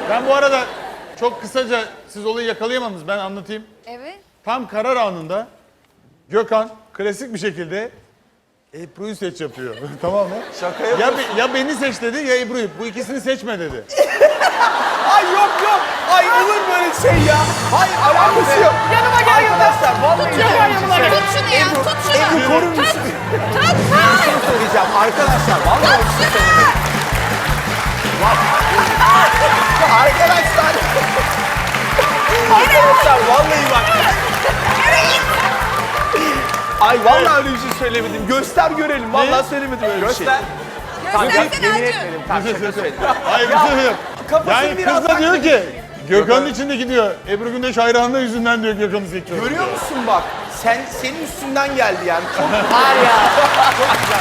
Ben bu arada çok kısaca siz olayı yakalayamadınız. Ben anlatayım. Evet. Tam karar anında Gökhan klasik bir şekilde Ebru'yu seç yapıyor. Tamam mı? Şaka Ya, yapıyorsun. ya beni seç dedi ya Ebru'yu. Bu ikisini seçme dedi. Ay yok. Ay olur böyle şey ya. Hayır alakası yok. Yanıma gel Arkadaşlar vallahi Tut şunu ya, tut şunu. Ebru korur musun? Tut. Bir şey söyleyeceğim arkadaşlar. Vallahi bir şey söyleyeceğim. Arkadaşlar. Arkadaşlar vallahi bak. Ay vallahi öyle bir şey söylemedim. Göster görelim. Vallahi söylemedim öyle bir şey. Göstersene Acun. Hayır bir şey yok. Kafasını Yani biraz kız da diyor haklı. ki Gökhan'ın içindeki diyor. Ebru Gündeş hayranlığı yüzünden diyor Gökhan'ı seçiyor. Görüyor musun bak? Senin üstünden geldi yani. Çok var ya. Çok güzel.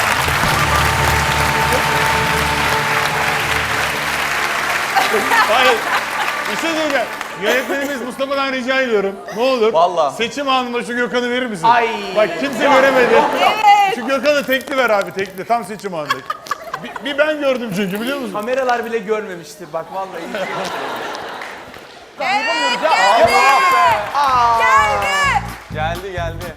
Hayır. Bir şey söyleyeceğim. Yönetmenimiz Mustafa'dan rica ediyorum. Ne olur. Vallahi. Seçim anında şu Gökhan'ı verir misin? Ay. Bak kimse göremedi. Şu Gökhan'ı tekli ver abi tekli. Tam seçim anında. Bir ben gördüm çünkü biliyor musun? Kameralar bile görmemiştir bak vallahi. Evet, geldi. Geldi.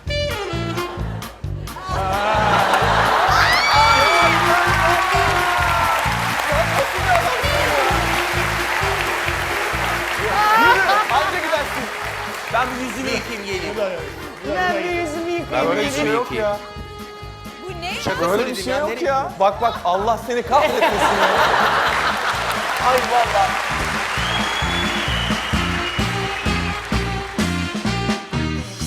Anca gidersin. Ben bir yüzümü yıkayayım geleyim. Böyle bir şey yok ya. Bu ne? Şaka böyle bir şey yok ya. Bak Allah seni kahretmesin ya. Ay vallahi.